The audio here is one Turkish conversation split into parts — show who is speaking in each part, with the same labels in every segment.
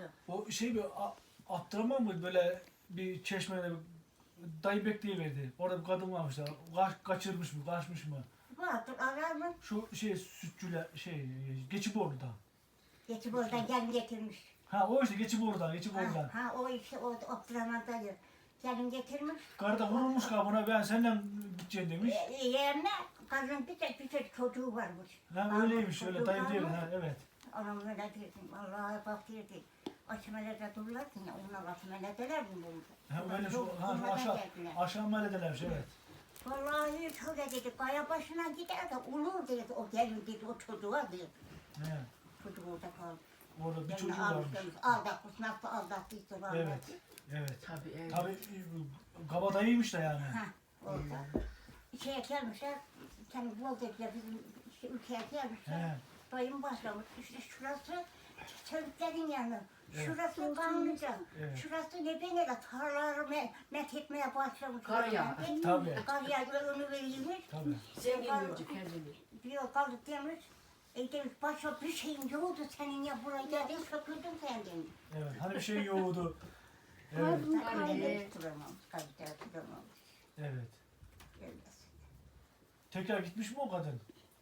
Speaker 1: O şey bir Abdurrahman mı böyle bir çeşmede dayı bekleyiverdi. Orada bir kadın varmış da kaçırmış mı, kaçmış mı?
Speaker 2: Vardır arar mı?
Speaker 1: Şu şey sütçüler Geçiborlu'da.
Speaker 2: Geçip oradan gelin getirmiş.
Speaker 1: Ha o işte Geçiborlu'dan.
Speaker 2: Ha o işte o Abdurrahman dayı. Gelin getirmiş.
Speaker 1: Karı da vurulmuş kabına ben senden gideceğim demiş.
Speaker 2: Yerine kadın bir tek çocuğu varmış.
Speaker 1: Ha öyleymiş öyle dayı diyor. Ha evet.
Speaker 2: Anam öyle dedim. Allah'a bak dedim. Açmelede dururlarken ya onlar açmeledeler mi bunu?
Speaker 1: Ha öyle şu aşağı mahalledelermiş evet.
Speaker 2: Vallahi şöyle dedi. Kaya başına gider de olur dedi. O gelin dedi o çocuğa dedi.
Speaker 1: He.
Speaker 2: Çocuk orada kaldı.
Speaker 1: Orada bir
Speaker 2: Yani
Speaker 1: çocuğu varmış.
Speaker 2: Aldatmış nasıl aldattıysa var.
Speaker 1: Evet. Evet.
Speaker 3: Tabii evet.
Speaker 1: Tabii kabadayıymış da yani.
Speaker 2: Ha orada. Şeye gelmişler. Kendi bol dediler bizim ülkeye gelmişler.
Speaker 1: He.
Speaker 2: Dayım başlamış. İşte şurası çocukların yanı.
Speaker 1: Evet.
Speaker 2: Şurası kanlıca.
Speaker 1: Evet.
Speaker 2: Şurası ne benele tarlaları met etmeye başlamış.
Speaker 3: Kar ya.
Speaker 1: Tabii.
Speaker 2: Kar yağıyor onu verilmiş.
Speaker 1: Tabii.
Speaker 3: Zengin yolcu kendini.
Speaker 2: Diyor kaldık demiş. Demiş başka bir şeyin yoktu senin ya buraya geldin söküldün sen demiş.
Speaker 1: Evet. Hani bir şey yoğurdu. Evet.
Speaker 2: Kalite tutamamış. Kalite tutamamış.
Speaker 1: Evet.
Speaker 2: Öylesin.
Speaker 1: Tekrar gitmiş mi o kadın?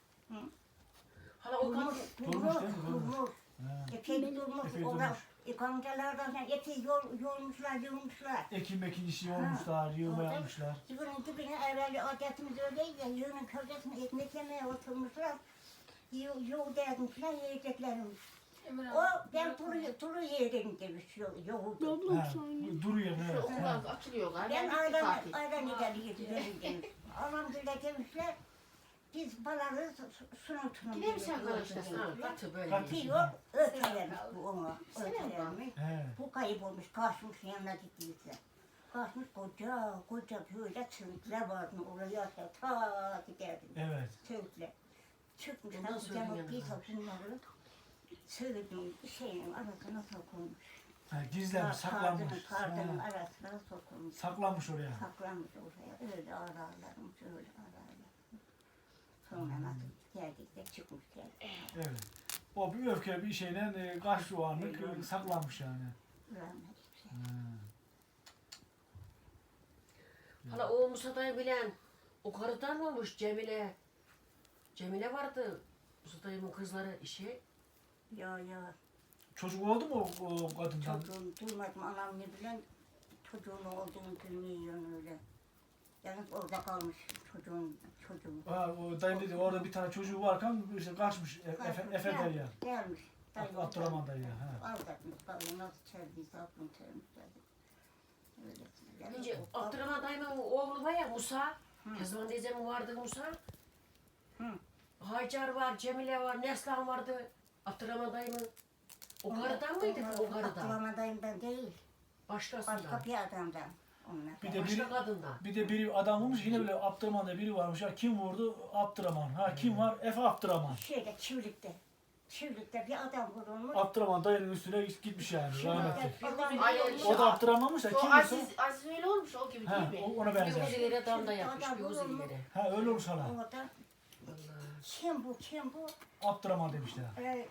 Speaker 3: Hala o kadın
Speaker 1: Durmuş değil mi? Durmuş.
Speaker 2: Durmuş.
Speaker 1: Ha.
Speaker 2: Epey durmuş.
Speaker 1: Epey
Speaker 2: Orada
Speaker 1: durmuş.
Speaker 2: ikamcalardan epey yolmuşlar.
Speaker 1: Ekim işi olmuşlar, yığma
Speaker 2: orada
Speaker 1: yapmışlar.
Speaker 2: Yığının dibine evvel adetimiz öyleydi ya, yığının köşesine ekmek yemeye oturmuşlar. Yoğurt yazmışlar, yiyeceklermiş. O ben turu yerim demiş yoğurdu.
Speaker 1: Ha, duruyor
Speaker 3: şu
Speaker 1: evet.
Speaker 3: okullar açılıyor galiba.
Speaker 2: Ben
Speaker 3: Tatil.
Speaker 2: ayran ileri demiş. Anam bile demişler, biz baları sunum
Speaker 3: Yine mi sen karıştırsın? Ha, katı böyle.
Speaker 1: Katı.
Speaker 2: diyor, ötelermiş bu ona, ötelermiş.
Speaker 1: He.
Speaker 2: Bu kayıp olmuş, kaçmış yanına gittiyse. Kaçmış koca böyle çığlıklar vardı oraya ta giderdim.
Speaker 1: Evet.
Speaker 2: Çığlıklar. Çıkmış,
Speaker 3: Ondan
Speaker 2: nasıl
Speaker 3: sonra
Speaker 2: canım
Speaker 3: yanına
Speaker 2: bir
Speaker 3: almış.
Speaker 2: bunları çığlıkın şeyin arasına sokulmuş.
Speaker 1: Ha, gizlenmiş, saklanmış.
Speaker 2: Kardının
Speaker 1: Ha,
Speaker 2: arasına sokulmuş.
Speaker 1: saklanmış oraya.
Speaker 2: Saklanmış oraya, öyle ararlarmış, öyle ararlar. Sonra nasıl geldik de çıkmış geldik.
Speaker 1: Evet. O bir öfke bir şeyle kaç o anlık saklanmış yani.
Speaker 2: Rahmet şey.
Speaker 1: Ha.
Speaker 3: Hala o Musa'dayı bilen o karıdan mı olmuş Cemile? Cemile vardı. Musa'dayımın kızları işi.
Speaker 2: Ya
Speaker 1: Çocuk oldu mu o kadından?
Speaker 2: çocuğum duymadım anam ne bilen çocuğun olduğunu bilmiyorum öyle. Yani orada kalmış çocuğum.
Speaker 1: Ha, o dayım dedi orada bir tane çocuğu varken işte kaçmış Efe derya.
Speaker 2: Gelmiş.
Speaker 1: Abdurrahman dayı. Ha.
Speaker 2: Aldatmış. Bakalım nasıl çeldiyse aklım çelmiş dedi. Öyle. Yani
Speaker 3: Önce
Speaker 2: o-
Speaker 3: Abdurrahman dayımın oğlu var ya Musa. Ne zaman teyzemin vardı Musa.
Speaker 2: Hı.
Speaker 3: Hacer var, Cemile var, Neslan vardı. Abdurrahman dayımın. O karıdan mıydı o karıdan?
Speaker 2: Abdurrahman'dayım ben değil.
Speaker 3: Başkasından.
Speaker 2: Başka bir adamdan. Onlar.
Speaker 1: Bir de
Speaker 3: Başka kadından.
Speaker 1: Bir de biri adam olmuş yine böyle Abdurrahman'da biri varmış. Ha, kim vurdu? Abdurrahman. Ha kim var? Efe Abdurrahman.
Speaker 2: Şeyde Çivlik'te bir adam vurulmuş.
Speaker 1: Abdurrahman dayının üstüne gitmiş yani rahmetli.
Speaker 3: Ay,
Speaker 1: O da Abdurrahman'mış da
Speaker 3: O
Speaker 1: kim
Speaker 3: Aziz öyle olmuş o gibi
Speaker 1: Ha,
Speaker 3: değil mi?
Speaker 1: ona
Speaker 3: Bir
Speaker 1: benzer.
Speaker 3: uzileri damda yapmış,
Speaker 2: Adam
Speaker 3: bir uzileri.
Speaker 1: Ha öyle olmuş hala.
Speaker 2: Orada kim bu?
Speaker 1: Abdurrahman demişler.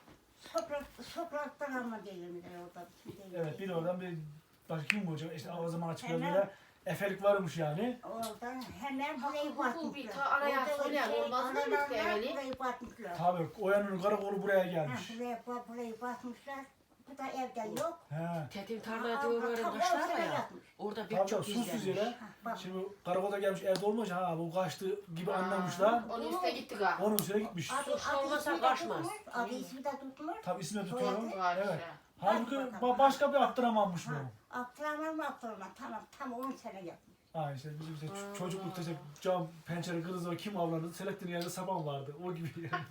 Speaker 2: Sokrat'tan ama değilim orada.
Speaker 1: Evet biri oradan bir başka kim vuracak? İşte o zaman açıklar böyle efelik varmış yani.
Speaker 2: Oradan hemen burayı
Speaker 3: Hukuk bir
Speaker 2: batmışlar.
Speaker 3: ta araya
Speaker 2: Orada
Speaker 3: söyleyen olmaz mı
Speaker 2: analarlar
Speaker 3: yani?
Speaker 2: burayı batmışlar.
Speaker 1: Tabii Oya'nın karakolu buraya gelmiş.
Speaker 2: Burayı batmışlar. Bu da evde yok.
Speaker 1: He.
Speaker 3: Tetim tarlaya doğru kaçlar var ya. Orada bir
Speaker 1: Tabii
Speaker 3: çok
Speaker 1: susuz
Speaker 3: izlenmiş.
Speaker 1: yere.
Speaker 2: Bak.
Speaker 1: Şimdi karakolda gelmiş evde olmaz ha bu kaçtı gibi anlamışlar.
Speaker 3: Onun üstüne gitti galiba.
Speaker 1: Onun üstüne gitmiş.
Speaker 3: Suçlu olmasa
Speaker 2: ismi de
Speaker 3: kaçmaz.
Speaker 2: tutmuş, adı ismi de tutmuş.
Speaker 1: Tabii ismini tutuyorum.
Speaker 3: Var
Speaker 1: Evet.
Speaker 3: işte.
Speaker 1: Halbuki başka bir Abdurrahman'mış bu.
Speaker 2: Abdurrahman tamam tam 10 sene yapmış.
Speaker 1: Ha işte bizim işte çocuklukta işte cam pencere kırıldı kim avlandı Selahattin'in yanında saban vardı o gibi yani.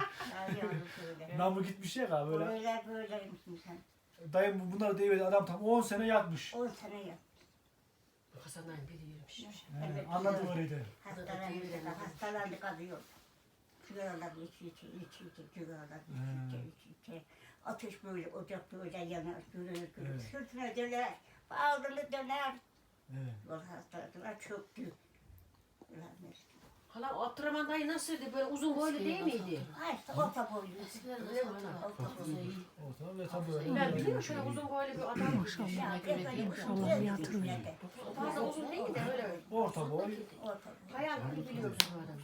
Speaker 1: Namı gitmiş ya galiba böyle.
Speaker 2: Böyleymişsin sen.
Speaker 1: Dayım bunları deyiverdi adam tam 10 sene yatmış.
Speaker 2: 10 sene yapmış.
Speaker 3: Hasan'dan biri yemiş.
Speaker 1: He, anladım öyleydi.
Speaker 2: Hastalandı kalıyor. Sigaralar içi, sigaralar içi. Ateş böyle, ocak böyle yanar, gürür.
Speaker 1: Evet.
Speaker 2: Sırtına döner, bağrını döner.
Speaker 1: Evet.
Speaker 2: Yol hastalıklar çöktü.
Speaker 3: Hala Abdurrahman dayı nasıldı? Böyle uzun boylu değil miydi?
Speaker 2: Ha işte orta boylu.
Speaker 3: Öyle mi hala?
Speaker 1: Ortam ve tabii öyle.
Speaker 3: Ben biliyorum şöyle uzun boylu bir adam.
Speaker 2: Ya ben böyle uzun değildim.
Speaker 3: Fazla uzun değil de öyle.
Speaker 1: Orta boy.
Speaker 2: Orta boylu.
Speaker 3: Hayal gibi biliyorum bu adamı.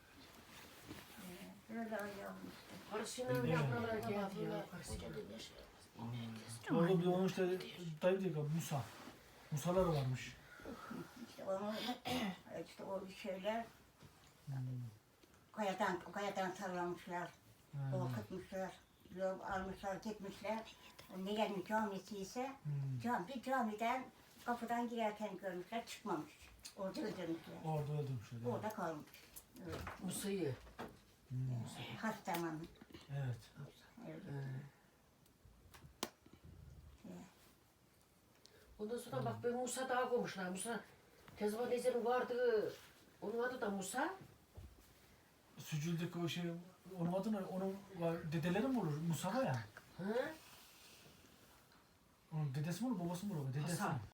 Speaker 2: Öyle ayağım.
Speaker 3: Karısıyla bile buralara geldi ya. Karısıyla.
Speaker 1: Orada bir de onun işte dayı diyor ki Musa. Musalar varmış.
Speaker 2: İşte onu işte o şeyler kayadan sallamışlar, korkutmuşlar, yol almışlar, gitmişler. Ne gelmiş camisi ise bir camiden kapıdan girerken görmüşler, çıkmamış. Orada öldürmüşler.
Speaker 1: Orada öldürmüşler.
Speaker 2: Orada kalmış. Evet.
Speaker 3: Musa'yı.
Speaker 2: Hastalanmış.
Speaker 1: Evet.
Speaker 2: Evet.
Speaker 3: Ondan sonra bak ben Musa daha koymuşlar. Musa Kezban teyzenin vardı. Onun adı da Musa.
Speaker 1: Sücüldeki o şey, onun adı ne? Onun dedeleri mi olur? Musa ya.
Speaker 3: Hı?
Speaker 1: Onun dedesi mi olur, babası mı olur? Dedesi
Speaker 3: Hasan.
Speaker 1: mi?